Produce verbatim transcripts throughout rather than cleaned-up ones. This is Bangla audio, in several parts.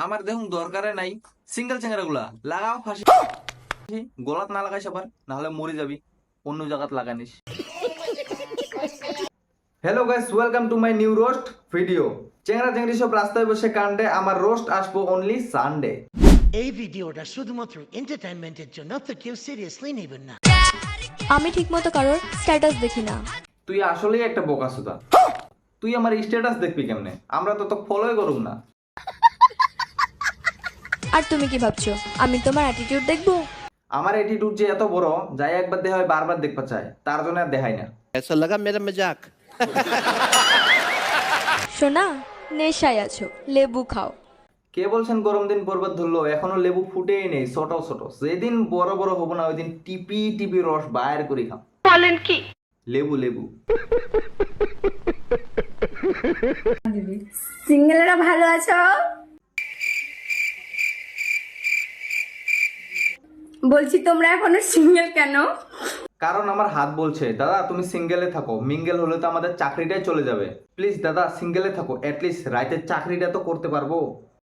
আমার দেখুন দরকারে নাই সিঙ্গেল চেঙ্গারা গুলা লাগাও ফাঁসি গলাত না লাগাইস আবার নাহলে মরে যাবি অন্য জায়গাত লাগানিস। Hello guys, welcome to my new roast video. চেঙ্গরা চেঙ্গরি সব রাস্তায় বসে কাণ্ডে, আমার রোস্ট আসবো অনলি সানডে। এই ভিডিওটা শুধুমাত্র এন্টারটেইনমেন্টের জন্য, তো কেউ সিরিয়াসলি নেবেন না। আমি ঠিকমতো কারোর স্ট্যাটাস দেখি না। তুই আসলেই একটা বোকাসুদা। তুই আমার স্ট্যাটাস দেখবি কেমনে? আমরা তো তোকে ফলোই করুম না। আর তুমি কি ভাবছো আমি তোমার অ্যাটিটিউড দেখবো? আমার অ্যাটিটিউড যে এত বড়, যাই একবার দেখা হয় বারবার দেখতে চায়, তার জন্য আর দেখাই না। ऐसा लगा मेरा मजाक। শোনা, নেশায় আছো, লেবু খাও। কে বলছেন গরম দিন পর্বত ধরলো? এখনো লেবু ফুটেই নেই, ছোট ছোট। যেদিন বড় বড় হবো না, ওই দিন টিপি টিপি রস বাইর করে খাম। বলেন কি? লেবু লেবু। সিঙ্গেলরা ভালো আছো? বলছি তোমরা এখনো সিঙ্গেল কেন? কারণ আমার হাত বলছে দাদা তুমি সিঙ্গেলে থাকো, মিঙ্গেল হলে তো আমাদের চাকরিটাই চলে যাবে। প্লিজ দাদা সিঙ্গেলে থাকো, অ্যাটলিস্ট রাইতের চাকরিটা তো করতে পারবো।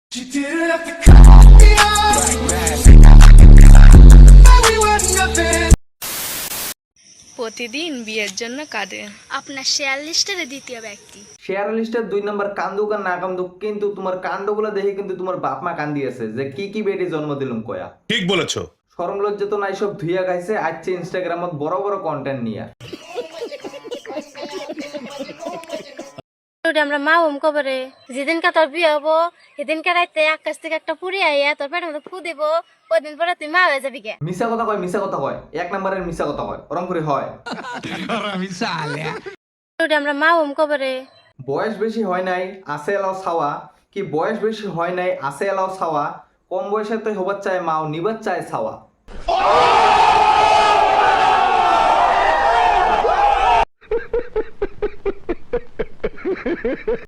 প্রতিদিন বিয়ের জন্য কাঁদে আপনার শেয়ার লিস্টের দ্বিতীয় ব্যক্তি। শেয়ার লিস্টের দুই নম্বর কান্দুক আর না কান্দুক, কিন্তু তোমার কাণ্ডগুলো দেখে কিন্তু তোমার বাপ মা কান্দিয়েছে যে কি কি বেটি জন্ম দিলুম কয়া। ঠিক বলেছো। শরম লজ্জা তো নাই, সব ধুইয়া গাইছে আজকে ইনস্টাগ্রামত বড় বড় কন্টেন্ট নিয়ে। আমরা মা ওম কবরে যেদিনকে তোর বিয়ে হবো সেদিনকে রাইতে আকাশ থেকে একটা পুরি আইয়া তোর পেটের মধ্যে ফু দিব, কদিন পরে তুই মা হয়ে যাবি কে। মিশা কথা কয়, মিশা কথা কয়, এক নম্বরের মিশা কথা কয়, ওরম করে হয়। আমরা মা ওম কবরে বয়স বেশি হয় নাই আসে এলাও ছাওয়া, কি বয়স বেশি হয় নাই আসে এলাও ছাওয়া, কম বয়সে তো হবার চায় মাও নিবার চায় ছাওয়া।